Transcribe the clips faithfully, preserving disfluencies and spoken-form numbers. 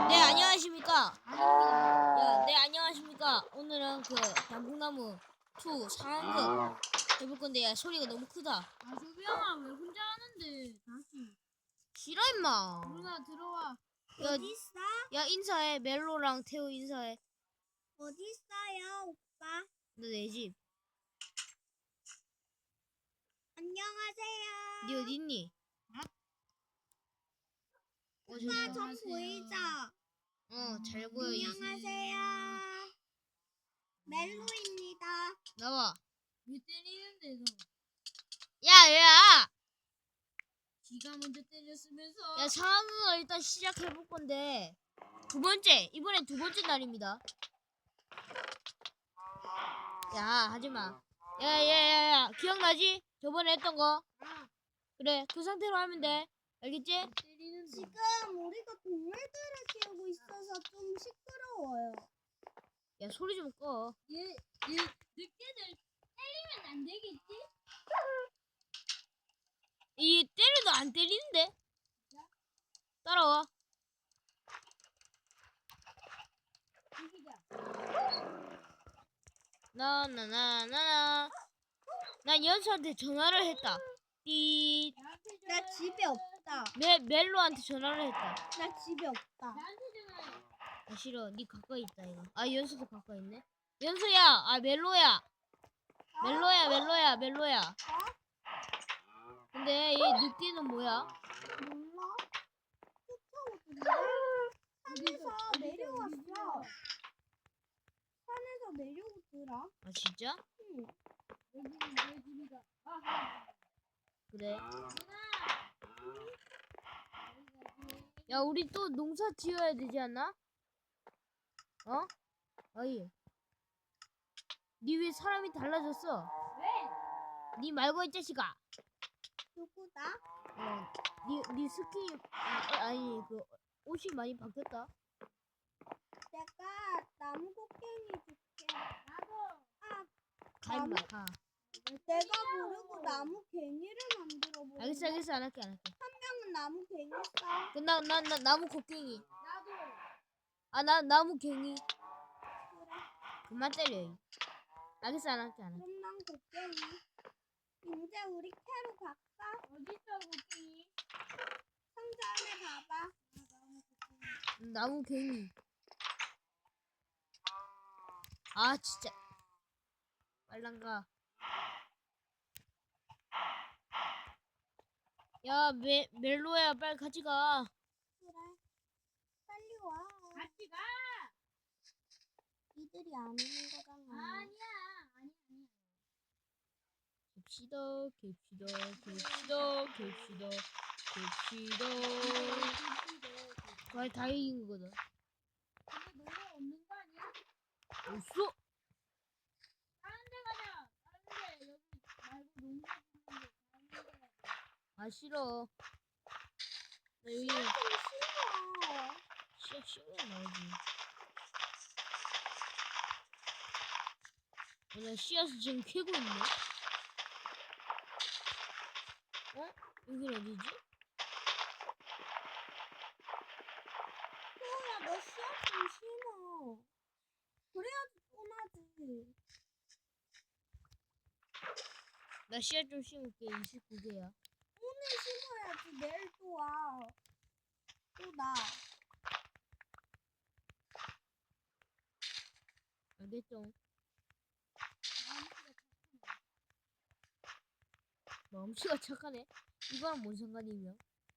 네, 안녕하십니까. 야, 네, 안녕하십니까. 오늘은 그 단풍나무 이 상황극 해볼 건데, 야, 소리가 너무 크다. 아, 조비형아, 왜 혼자 하는데? 다시. 싫어, 임마. 누나, 들어와. 야, 어디 있어? 야, 인사해. 멜로랑 태호 인사해. 어디 있어요, 오빠? 너 내 집. 안녕하세요. 니 어디 있니? 어, 저기 오빠 있다. 전 보이죠? 어, 잘 보여. 안녕하세요. 멜로입니다. 나와. 왜 때리는데, 너? 야, 야! 지가 먼저 때렸으면서. 야, 상황극을 일단 시작해볼 건데, 두 번째, 이번엔 두 번째 날입니다. 야, 하지마. 야, 야, 야, 야, 기억나지? 저번에 했던 거? 그래, 그 상태로 하면 돼. 알겠지? 때리는데. 지금 우리가 동물들을 키우고 있어서 좀 시끄러워요. 야, 소리 좀 꺼. 얘, 얘, 늑대들 때리면 안 되겠지? 이 때려도 안 때리는데? 따라와. 나, 나, 나, 나, 나. 난 연수한테 전화를 했다. 띠. 나한테 나 전화해. 집에 없다. 메, 멜로한테 전화를 했다. 나 집에 없다. 나한테 전화해. 아, 싫어. 니 가까이 있다, 이거. 아, 연수도 가까이 있네. 연수야! 아, 멜로야! 멜로야, 멜로야, 멜로야. 근데 얘 늑대는 뭐야? 몰라? 쫓아오던데? 산에서 내려왔어. 산에서 내려오더라. 아, 진짜? 응. 여기는 내 집이다. 아하. 그래. 누나. 야, 우리 또 농사 지어야 되지 않나? 어? 어이. 니 왜 사람이 달라졌어? 왜? 니 말고 이 자식아. 누구다? 어, 니, 니 스킨, 아, 아니, 그, 옷이 많이 바뀌었다. 내가 나무 곡괭이 줄게. 나도. 아, 가, 임마, 가. 내가 모르고 나무 괭이를 만들어 보는 알겠어, 알겠어, 안 할게, 안 할게. 한 명은 나무 괭이 써. 그, 나, 나, 나, 나무 곡괭이. 나도. 아, 나, 나무 괭이. 그래. 그만 때려. 이. 알겠어, 안 할게, 안 할게. 그럼 난 곡괭이. 이제 우리 캐로 갈까? 어딨어, 고기? 상자 안에 봐봐. 음, 나무 괭이. 아, 진짜. 빨랑 가. 야, 메, 멜로야, 빨리 같이 가. 그래. 빨리 와. 같이 가. 이들이 안 오는 거잖아. 아니야. 아니 아니. 갭시다, 갭시다, 갭시다, 갭시다, 갭시다. 거의 다 이긴 거거든. 근데 너무 없는 거 아니야? 없어? 다른 데 가자. 다른 데 여기 말고 농사 짓는데 다른 데 가자. 아, 싫어. 나 여기 좀 싫어. 씨앗 씨앗 나오지. 어, 나 씨앗을 지금 캐고 있네. 어? 여긴 어디지? 소야, 너 씨앗 좀 심어. 그래야지 뻔하지. 나 씨앗 좀 심을게. 이십구 개야. 오늘 심어야지. 내일 또 와. 또 나. 알겠죠? 마음씨가 착하네. 이거랑 뭔 상관이며?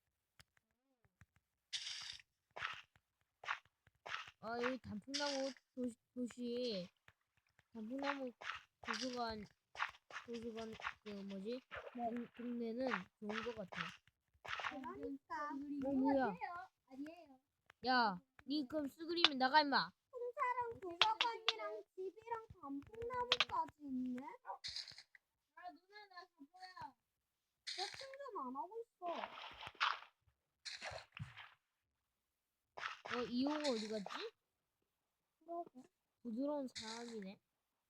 아, 여기 단풍나무 도시, 도시 단풍나무 도서관 도서관 그 뭐지? 동, 동네는 좋은 것 같아. 그러니까. 어, 뭐야? 아니에요. 야, 니 그럼 쓰그리면 나가 임마. 풍차랑 도서관이랑 집이랑 단풍나무까지 있네? 아 누나 나 바보야. 너 충전 안 하고 있어. 어, 이호가 어디 갔지? 그러게. 부드러운 사람이네.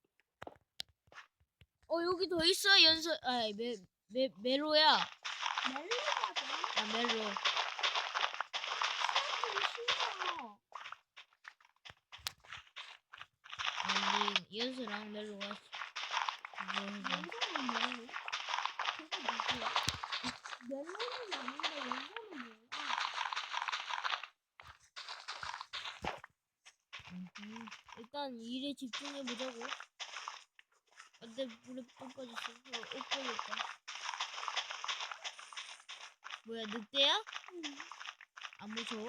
어, 여기 더 있어, 연서. 아이, 메, 메, 메로야. 멜로가 돼. 아, 멜로. 씨앗 좀 심어. 연수랑 멜로가 그거 해서 연서는 뭐예요? 그게 누구야? 멜로는 아는데 연서는 뭐야? 음, 일단 일에 집중해 보자고. 안돼 물에 또 빠졌어. 어, 옷 빠졌다. 뭐야 늑대야? 응. 안 무서워?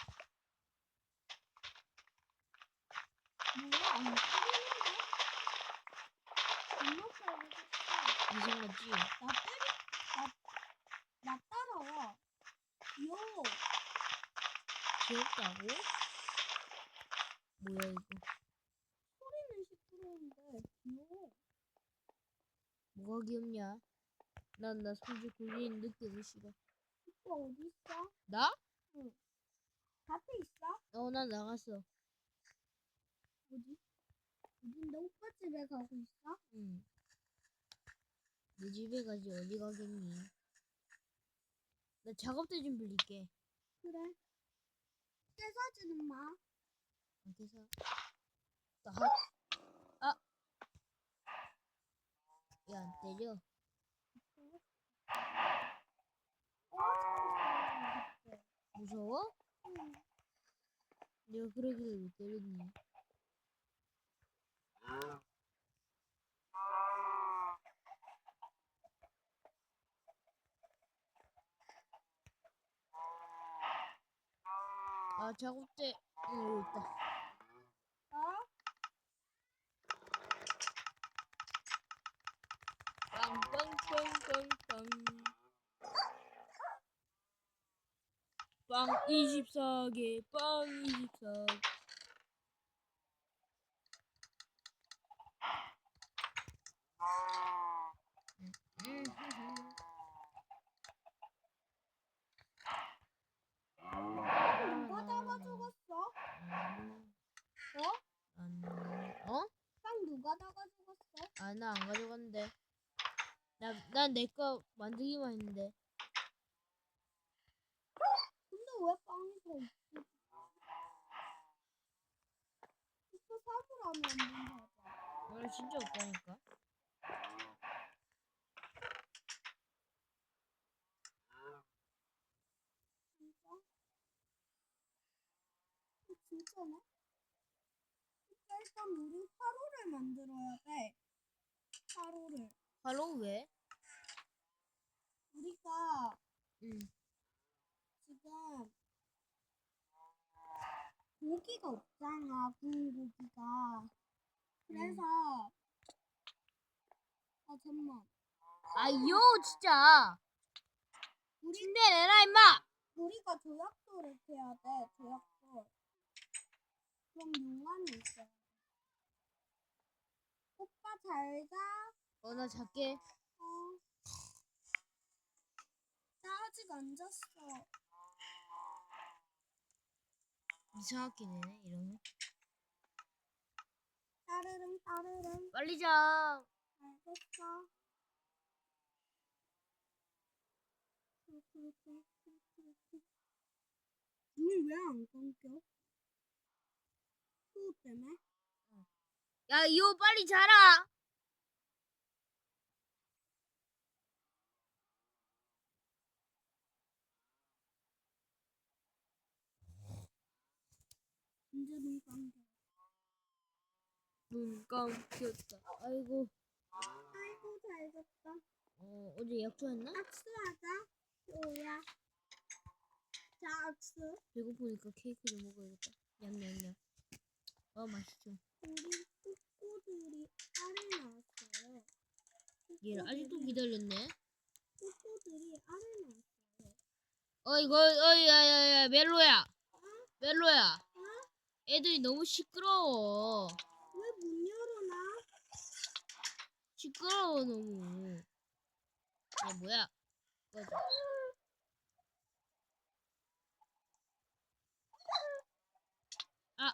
뭐야 안 때리는데? 겁나 때리겠어. 이상하지? 나 때리 나, 나 따라와. 귀여워. 귀엽다고? 뭐야 이거? 소리는 시끄러운데 귀여워. 뭐가 귀엽냐? 난 나 손질 굴리는 늑대도 싫어. 오빠 어디 있어? 나? 밭에 있어? 어 난 나갔어. 어디? 어딘데 오빠 집에 가고 있어? 응. 내 집에 가지 어디 가겠니? 나 작업대 좀 빌릴게. 그래. 떼사지는 마. 그래서 나 아. 야 안 때려. 어, 무서워? 응. 내가 그러길래 왜 때렸니? 아 작업대 응 여기 있다. 어? 빵빵빵빵빵 빵 이십사 개, 빵 이십사 개. 누가 잡아 죽었어? 어? 어? 빵 누가 잡아 죽었어? 아, 나 안 가져갔는데. 나, 난 내 거 만들기만 했는데. 근데 왜 빵이 더 있지? 진짜 사물함이 안 된다. 오늘 진짜 없다니까. 진짜? 어, 진짜네? 진짜 일단 우리 화로를 만들어야 돼. 화로를. 바로 왜? 우리가 응. 지금 고기가 없잖아, 구운 고기가. 그래서 아 잠만. 아요 진짜. 우리 침대 내놔 임마. 우리가 조약돌을 캐야 돼. 조약돌. 그럼 용암이 있어. 오빠 잘 자. 어 나 작게. 어. 나 아직 안 잤어. 이상하게 되네 이러면. 따르릉 따르릉. 빨리 자. 알겠어. 눈이 왜 안 감겨? 수호 때문에? 야 이호 빨리 자라. 이제 눈 감겨. 눈 감겼다. 아이고. 아이고 잘 잤다. 어 어제 약초했나? 악수하자. 수호야. 자 악수. 배고프니까 케이크를 먹어야겠다. 냠냠냠. 어 맛있죠. 우리 꼬꼬들이 알을 낳았어요. 얘를 아직도 기다렸네. 꼬꼬들이 알을 낳았어요. 어이 거 어이 야야야 멜로야. 어? 멜로야. 어? 애들이 너무 시끄러워. 왜 문 열어놔? 시끄러워 너무. 야 뭐야? 꺼져. 아.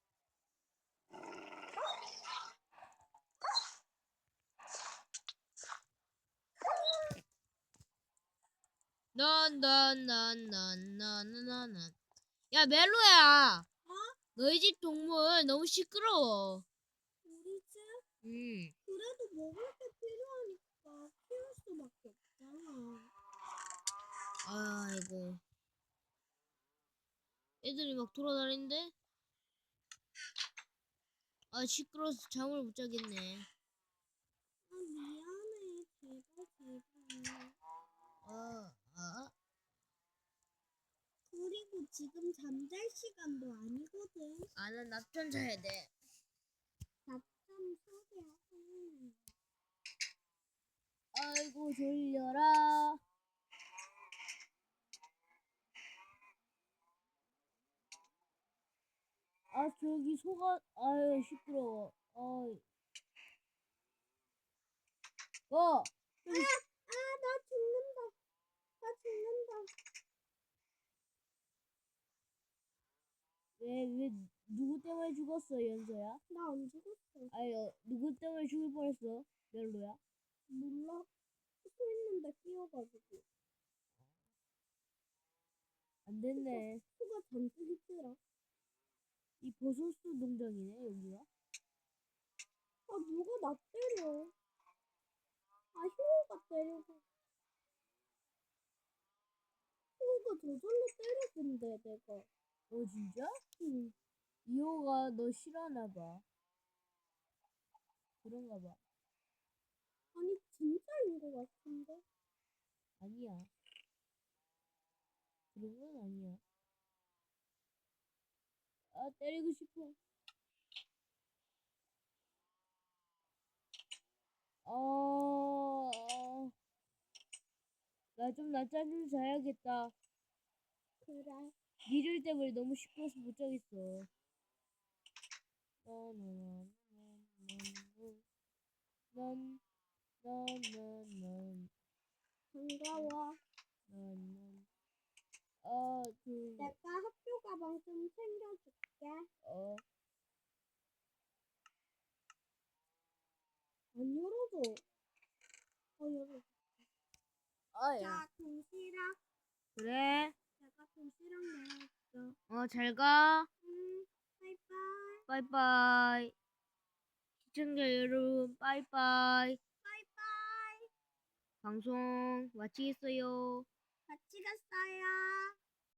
넌넌넌넌넌넌넌. 야 멜로야. 어? 너희 집 동물 너무 시끄러워. 우리 집? 음. 그래도 먹을 게 필요하니까 키울 수밖에 없잖아. 아이고. 애들이 막 돌아다니는데? 아, 시끄러워서 잠을 못 자겠네. 아 미안해. 제발 제발. 아, 아. 그리고 지금 잠잘 시간도 아니거든. 아, 난 낮잠 자야 돼. 낮잠 소리야. 음. 아이고, 졸려라. 아, 저기 소가, 아유, 시끄러워. 아이. 어! 아, 아, 나 죽는다. 나 죽는다. 왜, 왜, 누구 때문에 죽었어, 연서야? 나 안 죽었어. 아니, 어, 누구 때문에 죽을 뻔했어, 멜로야? 몰라. 서 있는데 끼어가지고. 안 됐네. 수가 잔뜩 있더라. 이 버섯수 농장이네, 여기가. 아, 누가 나 때려. 아, 효호가 때려서. 효호가 저절로 때렸는데, 내가. 어, 진짜? 응. 이호가 너 싫어하나봐. 그런가봐. 아니, 진짜인 것 같은데. 아니야. 그런 건 아니야. 아, 때리고 싶어. 어, 나 좀 낮잠 좀 자야겠다. 그래. 니들 때문에 너무 시끄러워서 못 자겠어. 난, 난, 난, 난, 반가워. 난, 난. 아, 그, 내가 학교 가방 좀 챙겨줄게. 어, 안 열어줘. 어, 열어줘. 아, 야. 자, 도시락. 그래. 내가 도시락 내왔어. 어, 잘 가. 응, 바이바이. 빠이빠이. 시청자 여러분, 빠이빠이. 바이바이. 방송 마치겠어요. 같이 갔어요.